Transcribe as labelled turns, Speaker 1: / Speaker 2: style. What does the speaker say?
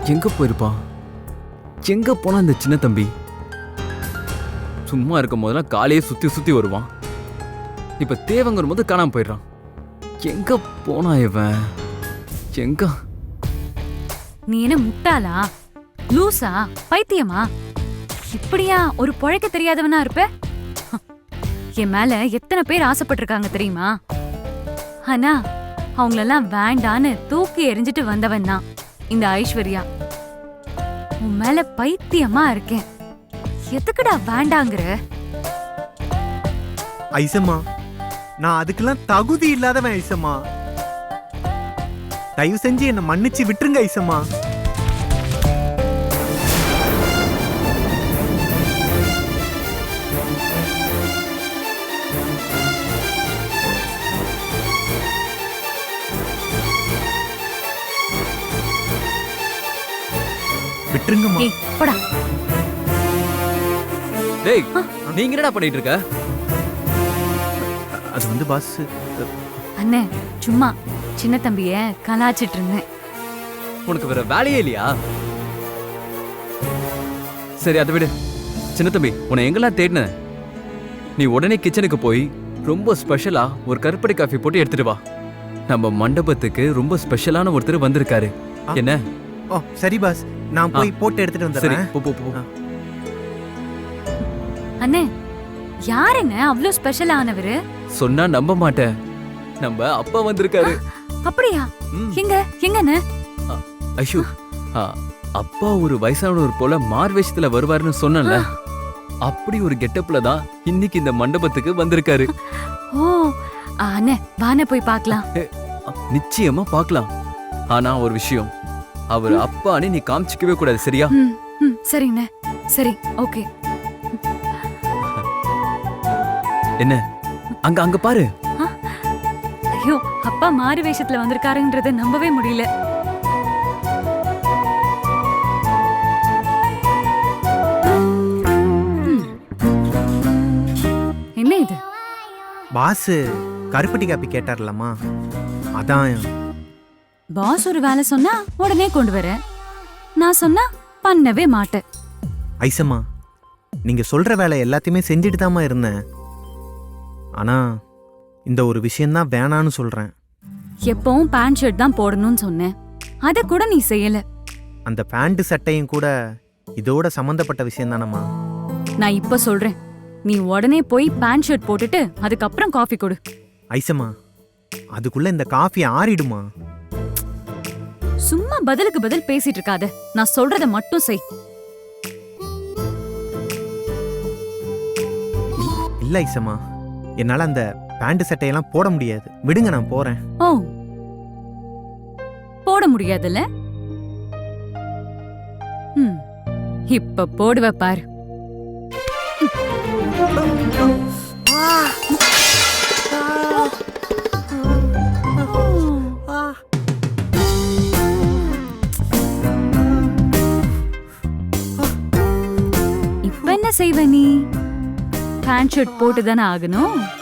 Speaker 1: எங்க போயிருப்பான்? எங்க போனா இந்த சின்ன தம்பி? சும்மா இருக்கும் போதெல்லாம் காலையே சுத்தி சுத்தி வருவான். இப்ப தேவங்கிற போது காணாம போயிடுறான். எங்க போனா இவன்? எங்க?
Speaker 2: நீ என்ன முட்டாளா, லூசா, பைத்தியமா? இப்படியா ஒரு பொழைக்க தெரியாதவனா இருப்ப? என் மேல எத்தனை பேர் ஆசைப்பட்டிருக்காங்க தெரியுமா? ஆனா அவங்களெல்லாம் வேண்டான்னு தூக்கி எறிஞ்சிட்டு வந்தவன் தான் இந்த ஐஸ்வர்யா. உன் மேல பைத்தியமா இருக்கேன். எதுக்குடா வேண்டாங்கிற?
Speaker 3: ஐசம்மா, நான் அதுக்கெல்லாம் தகுதி இல்லாதவன் ஐசம்மா. தயவு செஞ்சு என்ன மன்னிச்சு விட்டுருங்க ஐசம்மா. விட்டுருங்கம்மா.
Speaker 2: ஏய் போடா.
Speaker 1: டேய், நீங்க என்னடா பண்ணிட்டு இருக்க?
Speaker 3: அது வந்து பாஸ்.
Speaker 2: அண்ணே சும்மா சின்ன தம்பிய கலாச்சிட்டு இருந்தேன்.
Speaker 1: உனக்கு வேற வேலையே இல்லையா? சரி அதை விடு. சின்ன தம்பி, உன்னை எங்கெல்லாம் தேடின? நீ உடனே கிச்சனுக்கு போய் ரொம்ப ஸ்பெஷலா ஒரு கருப்பட்டி காஃபி போட்டு எடுத்துட்டு வா. நம்ம மண்டபத்துக்கு ரொம்ப ஸ்பெஷலான ஒருத்தர் வந்திருக்காரு. என்ன?
Speaker 3: ஓ சரி பாஸ், நான் போய் போட்டு எடுத்துட்டு
Speaker 1: சரி,
Speaker 3: வந்துடுறேன்.
Speaker 1: போ போ போ.
Speaker 2: அண்ணே யாருங்க அவ்வளோ ஸ்பெஷல் ஆனவரு?
Speaker 1: சொன்னா நம்ப மாட்டேன். நம்ம அப்பா வந்திருக்காரு.
Speaker 2: அப்படியா?
Speaker 1: ம்.
Speaker 2: எங்க எங்கண்ணே?
Speaker 1: ஐஷு, அப்பா ஒரு வயசானவர் போல மார்வேஷத்துல வருவாருன்னு சொன்னல, அப்படி ஒரு கெட்டப்ல தான் இன்னைக்கு இந்த மண்டபத்துக்கு வந்திருக்காரு.
Speaker 2: ஓ அண்ணே வானே போய் பார்க்கலாம்.
Speaker 1: நிச்சயமா பார்க்கலாம். ஆனா ஒரு விஷயம், அவர் அப்பான்னு நீ காமிச்சிக்கவே கூடாது, சரியா?
Speaker 2: சரிண்ணே. சரி ஓகே.
Speaker 1: என்ன அங்க அங்க பாரு.
Speaker 2: ஐயோ, அப்பா மாறு வேஷத்துல வந்திருக்காருன்றத நம்பவே முடியல. என்ன இது?
Speaker 3: பாஸ் கருப்பட்டி காப்பி கேட்டார்லம்மா, அதான்.
Speaker 2: பாஸ் ஒரு வேலை சொன்னா உடனே கொண்டு வர, நான் சொன்னா பண்ணவே மாட்டேன்.
Speaker 3: ஐசம்மா, நீங்க சொல்ற வேலை எல்லாத்தையுமே செஞ்சுட்டு தாம்மா இருந்தேன். ஆனா இந்த ஒரு விஷயம்தான் வேணான்னு சொல்றேன்.
Speaker 2: எப்பவும் பேண்ட் ஷர்ட் தான் போடணும்னு சொன்னேன், அத கூட நீ செய்யல.
Speaker 3: அந்த பேண்ட் சட்டையும் கூட இதோட சம்பந்தப்பட்ட விஷயம் தானம்மா.
Speaker 2: நான் இப்ப சொல்றேன், நீ உடனே போய் பேண்ட் ஷர்ட் போட்டுட்டு அதுக்கப்புறம் காஃபி கொடு.
Speaker 3: ஐசம்மா, அதுக்குள்ள இந்த காஃபி ஆறிடுமா?
Speaker 2: சும்மா பதிலுக்கு பதில் பேசிட்டு இருக்காத, நான் சொல்றத மட்டும் செய்.
Speaker 3: இல்ல ஐசம்மா, என்னால அந்த பேண்ட் சட்டையெல்லாம் போட முடியாது. விடுங்க, நான் போறேன்.
Speaker 2: ஓ போட முடியாதுல்ல? இப்ப போடுவ பாரு. இப்ப என்ன செய்வ நீ? பேண்ட் ஷர்ட் போட்டுதானே ஆகணும்.